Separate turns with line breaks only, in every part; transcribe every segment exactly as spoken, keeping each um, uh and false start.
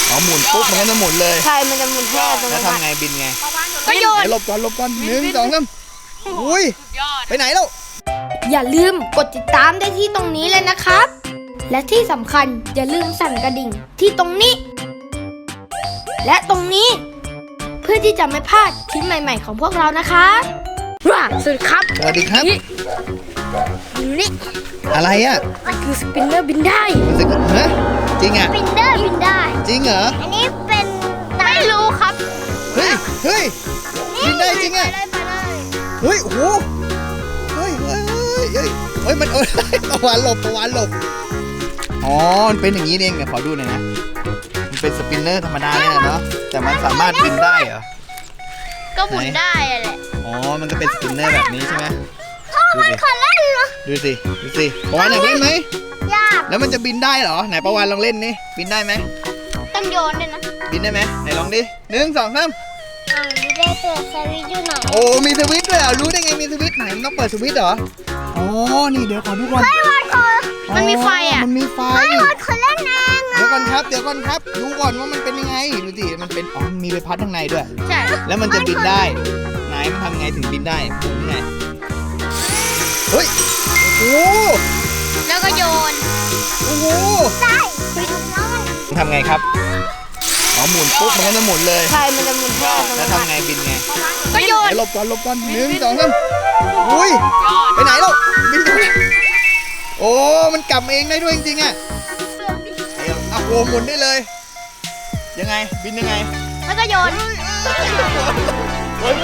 อ๋อหมุนปุ๊บมันก็จะหมุนเลย
ใช่มันจะหมุนแค่ตรง
แล้
นั้
วน ทำไงบินไง
ก็โยน
หลบก่อนหลบก่อนหนึ่งสองสามอุ้ยไปไหนแล้ว
อย่าลืมกดติดตามได้ที่ตรงนี้เลยนะครับและที่สำคัญอย่าลืมสั่นกระดิ่งที่ตรงนี้และตรงนี้เพื่อที่จะไม่พลาดคลิปใหม่ๆของพวกเรานะคะว้าสวัสดีครับ
สวัสดีครับ
นี่
อะไรอ่ะ
มันคือสปินเนอร์บินได้
รู้สึกฮะจริงอ่ะ
สปินเนอร์บินได้
จริงเหรอ
อันนี้เป็นไม่รู้ครับ
เฮ้ยเฮ้ยบินได้จริงอ่ะ
ไปเลยไปเลย
เฮ้ยโอ้โหเฮ้ยเฮ้ยเฮ้ยเฮ้ยมันเอ้ยประวานหลบประวานหลบอ๋อมันเป็นอย่างนี้เองเดี๋ยวขอดูหน่อยนะมันเป็นสปินเนอร์ธรรมดาเนี่ยเนาะแต่มันสามารถบินได้เหรอ
ก็หมุนได้แหละ
อ๋อมันก็เป็นสปินเนอร์แบบนี้ใช่ไหม
พ่อมันขอเล่นเหรอ
ดูสิดูสิประวานอยากเล่นไหม
อยาก
แล้วมันจะบินได้เหรอไหนประวานลองเล่นนี่บินได้ไหม
ต้องโยนด้วยนะ
บินได้ไหมไหนลองดิหนึ่งสองสาม
อ่าไม่ได้เปิดสวิตช์อยู่ไหน
โอ้มีสวิตช์ด้วยเหรอรู้ได้ไงมีสวิตช์ไหนมันต้องเปิดสวิตช์เหรออ๋อนี่เดี๋ยวขอดูก่อน
ไม่วันขอมันมีไฟอ่ะ
มันมีไฟ
ไม่วันขอเล่นเอง
เดี๋ยวก่อนครับเดี๋ยวก่อนครับดูก่อนว่ามันเป็นยังไงดูสิมันเป็นอ๋อมีใบพัดข้างในด้วย
ใช่
แล้วมันจะบินได้ไหนมันทำไงถึงบินได้หมุนไงเฮ้ยโอ้โห
แล้วก็โยน
โอ้โห
ใช่
ทำไงครับอ๋อหมุนปุ๊บมันก็จะหมุนเลย
ใช่มันจะหมุนแค่ตรง
แล้ว
นั้น
ทำไงบินไง
ก็โยน
หลบก่อนหลบก่อนหนึ่งสองสามอุ้ยไปไหนแล้วบินไปไหนโอ้มันกลับมาเองได้ด้วยจริงๆอ่ะอ่ะโอ้หมุนได้เลยยังไงบินยังไง
แล้วก็โยน
เฮ้ย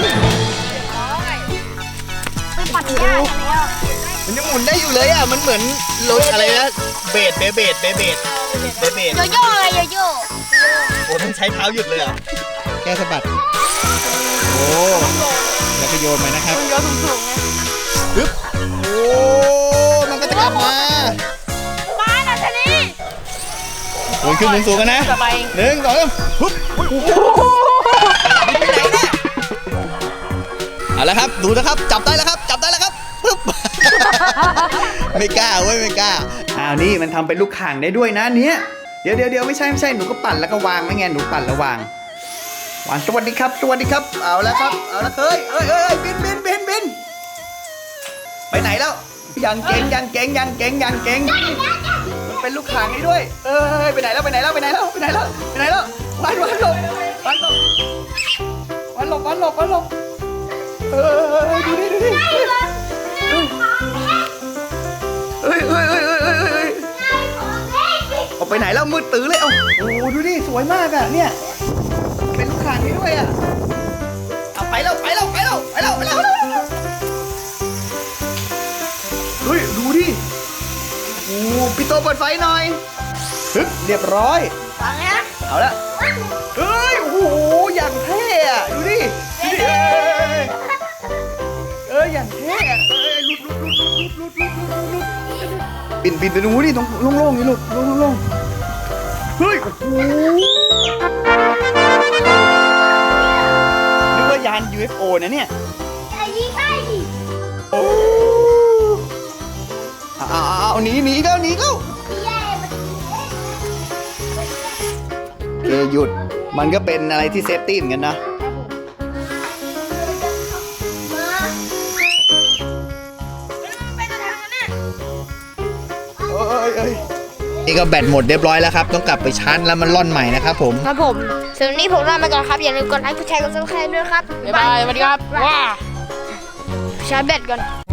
ไปปั่นได้แล้ว
มันยังหมุนได้อยู่เลยอ่ะมันเหมือนรถอะไรนะเบสเบสเบสเบสเบสเบสเบส
โยโย่อะไรโยโย่
โอ้มันใช้เท้าหยุดเลยเหรอ่ะแก้สะบัดโอ้แล้วก็โยนไปนะครับ
โยนสูงๆไง
ปึ๊บโอ้มันก็จะกลับมา
บ้านอะชนี
โอ้ยขึ้นสูงๆกันนะ
สบาย
หนึ่งสองสามปึ๊บโอ้โหไปไหนเนี่ยเอาละครับดูนะครับจับได้แล้วครับจับได้แล้วครับปึ๊บ ไม่กล้าเว้ยไม่กล้าอ้าวนี่มันทำเป็นลูกข่างได้ด้วยนะเนี้ยเดี๋ยวเดี๋ยวเดี๋ยวไม่ใช่ไม่ใช่หนูก็ปั่นแล้วก็วางไม่ไงหนูปั่นแล้ววางวางสวัสดีครับสวัสดีครับเอาแล้วครับเอาแล้วเฮ้ยเฮ้ยเฮ้ยบินบินบินบินไปไหนแล้วยังเก่งยังเก่งยังเก่งยังเก่งมันเป็นลูกข่างได้ด้วยเอ้ยไปไหนแล้วไปไหนแล้วไปไหนแล้วไปไหนแล้วไปไหนแล้ววันวันหลบวันหลบวันหลบวันหลบวันหลบเออดูดิดูดิเฮ้ยเฮ้ยเฮ้ยเฮ้ยเฮ้ยเฮ้ยเอาไปไหนแล้วมืดตื้อเลยเอ้าโอ้ดูดิสวยมากอะเนี่ยเป็นลูกข่างได้ด้วยอะเอาไปแล้วไปแล้วไปแล้วไปแล้วไปแล้วเฮ้ยดูดิโอ้พี่โตเปิดไฟหน่อยฮึบเรียบร้อย
ฟังนะ
เอาละเฮ้ย โอ้โห อย่างเท่อะดูดิ ดูดิ เอ้ยเอ้ย อย่างเท่อะเอ้ยลุดลุดลุดลุดลุดลุดลุดลุดลุดบินบินไปดูดิตรงโล่งๆนี่ลูกโล่งๆเฮ้ย โอ้โหนึกว่ายาน ยู เอฟ โอ นะเนี่ย
ไอ้ยี่ไข่
โอ้เอาเอาเอาหนีหนีก็หนีก็เอหยุด มันก็เป็นอะไรที่เซฟตี้เหมือนกันนะเอ้ยเอ้ยนี่ก็แบตหมดเรียบร้อยแล้วครับ ต้องกลับไปชาร์จแล้วมันล่อนใหม่นะครับผม
ครับผมส่วนวันนี้ผมลาไปก่อนครับ อย่าลืมกดไลค์กดแชร์กดซับสไครต์ด้วยครับบ๊ายบายสวัสดีครับว้าชาร์จแบตก่อน